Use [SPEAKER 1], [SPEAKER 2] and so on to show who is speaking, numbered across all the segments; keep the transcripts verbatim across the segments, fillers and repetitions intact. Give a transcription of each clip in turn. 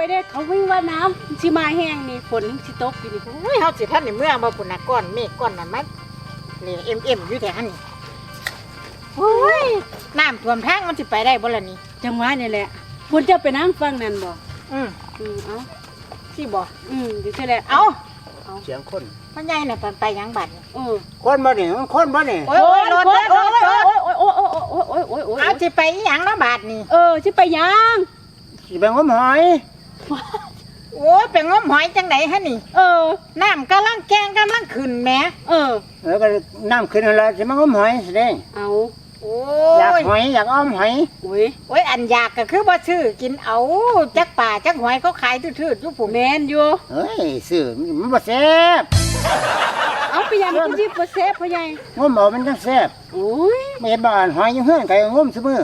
[SPEAKER 1] เด้เขาวิ่งว่าน้ำสิมาแห้งนี่ฝนสิตกอยู่นี่
[SPEAKER 2] โอ้ยเฮาสิท่านในเมื่อบ่พุ่นน่ะก้อนเมฆก้อนนั้นมันนี่เอ็มๆอยู่แถวนี้โอ้ยน้ำท่วมทางมันสิไปได้บ่ล่ะนี่
[SPEAKER 1] จังหวะนี่แหละฝนจะไปนั่งฟังนั่นบ่
[SPEAKER 2] อืม
[SPEAKER 1] อืมเอา
[SPEAKER 2] สิบ่
[SPEAKER 1] อืมดิซี่แหละ
[SPEAKER 2] เอ้า
[SPEAKER 3] เสียงคน
[SPEAKER 2] มันใหญ่น่ะไปหยังบัดนี่
[SPEAKER 1] เออ
[SPEAKER 3] คนบ่นี่มันคนบ่นี่
[SPEAKER 2] โอ้ยรถรถรถรถ
[SPEAKER 1] โอ้ยโอ้ยโอ้ยโอ้ยโอ้ยโอ้ยโอ้ยโอ้ย
[SPEAKER 2] เอาสิไปอีหยังเนาะบาดนี่
[SPEAKER 1] เออสิไปยัง
[SPEAKER 3] สิไปงมหอย
[SPEAKER 2] โอ้ยไปงมหอยจังได๋ฮะนี่
[SPEAKER 1] เออ
[SPEAKER 2] น้ำกำลังแกงกำลังขึ้นแหม
[SPEAKER 1] เออ
[SPEAKER 3] เออก็น้ำขึ้นแล้วสิมางมหอยสิเด้
[SPEAKER 1] เอา
[SPEAKER 2] โอ้
[SPEAKER 3] อยาก
[SPEAKER 2] ย
[SPEAKER 3] หอยอยากอ้อมหอย
[SPEAKER 1] โอ้ย
[SPEAKER 2] โอ้ยอันอยากก็คือบ่ซื้อกินเอาจักป่าจักหอยเขาขายทื่อๆอยู่พุ่น
[SPEAKER 1] แมนอยู่
[SPEAKER 3] เฮ้ยซื้อมันบ่แซ่บ
[SPEAKER 1] เอาไปยังมันสิบ่เซฟพ่อใหญ่
[SPEAKER 3] งมเอามันจังแซ่บ
[SPEAKER 1] โอ้ย
[SPEAKER 3] ไม่เห็นบ่อ่านหอยอยู่เฮือนไก่งมซุมื้อ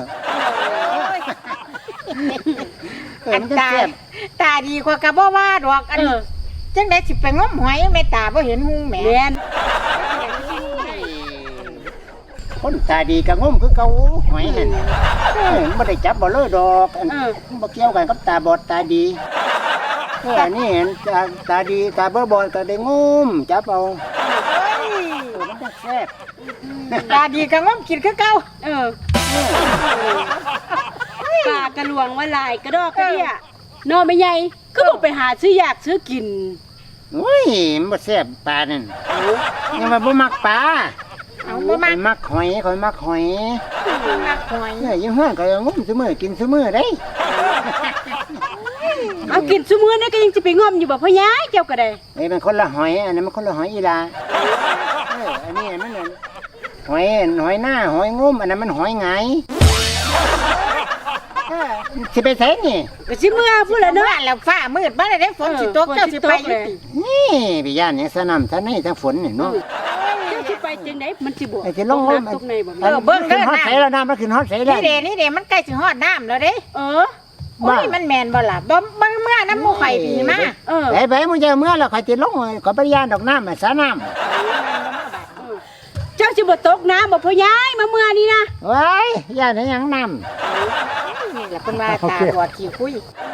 [SPEAKER 3] เออ
[SPEAKER 2] อัน
[SPEAKER 3] มันจัง
[SPEAKER 2] ตา
[SPEAKER 3] แซ่บ
[SPEAKER 2] ตาดีกว่าก็บ่ว่าดอกอัน
[SPEAKER 1] เออ
[SPEAKER 2] จังได๋สิไปงมหอยแม่ตาบ่เห็นหุงแหม
[SPEAKER 1] แมน
[SPEAKER 3] คนตาดีก็งมคือเก่าหอยหั่นเออมันบ่ได้จับบ่เลยดอกอัน
[SPEAKER 1] เออ
[SPEAKER 3] มันบ่เกี่ยวกันกับตาบอดตาดีเอออันนี้เห็นตาตาดีตาบ่บอดก็ได้งมจับเอา
[SPEAKER 2] เฮ้ย
[SPEAKER 3] เออมันจังแซ่บ
[SPEAKER 2] ตาดีก็งมกินคือเก่า
[SPEAKER 1] เออปลากระลวงว่าลายกระดอกกระเดี่ยนอนไม่ใหญ่ก็บอกไปหาซื้ออยากซื้อกิน
[SPEAKER 3] โอ้ยมันบ่แซ่บปลานั่นยังมาบ่มักปลา
[SPEAKER 2] เอาบ่มา
[SPEAKER 3] ข่อยมักหอยข่อยมักหอย
[SPEAKER 2] มักหอย
[SPEAKER 3] เนี่ยอยังเฮือนก็งมซุมื้อกินซุมื้อได้
[SPEAKER 1] เอากินซุมื้อนี่ก็ยังจะไปงอมอยู่บ่พ่อย้ายเจ้าก็ได้
[SPEAKER 3] ไอ้มันคนละหอยอันนั้นมันคนละหอยอีลาเอออันนี้มันนั่นหอยหอยหน้าหอยงมอันนั้นมันหอยไงเออสิไปไสนี่
[SPEAKER 1] ก็สิมื้อพุ่นละเนาะ
[SPEAKER 2] ว่าแล้วฟ้ามืดมาได้ได้ฝนสิตก
[SPEAKER 1] เออ
[SPEAKER 2] เจ้าสิไป
[SPEAKER 1] ฝนสิตกเลย
[SPEAKER 2] อยู่ติ
[SPEAKER 3] นี่ไปย่านเนี่ยสนำสนในทั้งฝนนี่เนาะ
[SPEAKER 1] เจ้าสิไปจังได๋มันสิบ่
[SPEAKER 3] ไอ้ที่ลง
[SPEAKER 1] ต
[SPEAKER 3] ล
[SPEAKER 1] ก
[SPEAKER 3] ม
[SPEAKER 1] น้ำตกในบ่
[SPEAKER 2] เออเบิ่งเด้อ
[SPEAKER 3] ฮอด
[SPEAKER 2] น้ำ
[SPEAKER 3] ใสแล้วน้ำมันขึ้นฮอดใสแล้ว
[SPEAKER 2] นี่เด้นี่เด้มันใกล้สิฮอดน้ำแล้วเด้
[SPEAKER 1] เออ
[SPEAKER 2] โอ้ยมันแม่นบ่ล่ะบ่เบิ่งเมื่อน้ำหมูไข่ปีมา
[SPEAKER 1] เออ
[SPEAKER 3] ไปไปมึงจะเมื่อแล้วข่อยติดลงข่อยบ่ได้ย่านดอกน้ำอะสาน้ำ
[SPEAKER 1] เจ้าสิบ่ตกน้ำบ่พ่อย้ายมาเมื่อนี้นะ
[SPEAKER 3] ไว้ย่านได้หยังน้ำ
[SPEAKER 2] นี่แหละเพิ่นว่าตาบอดขี้คุย
[SPEAKER 1] เอ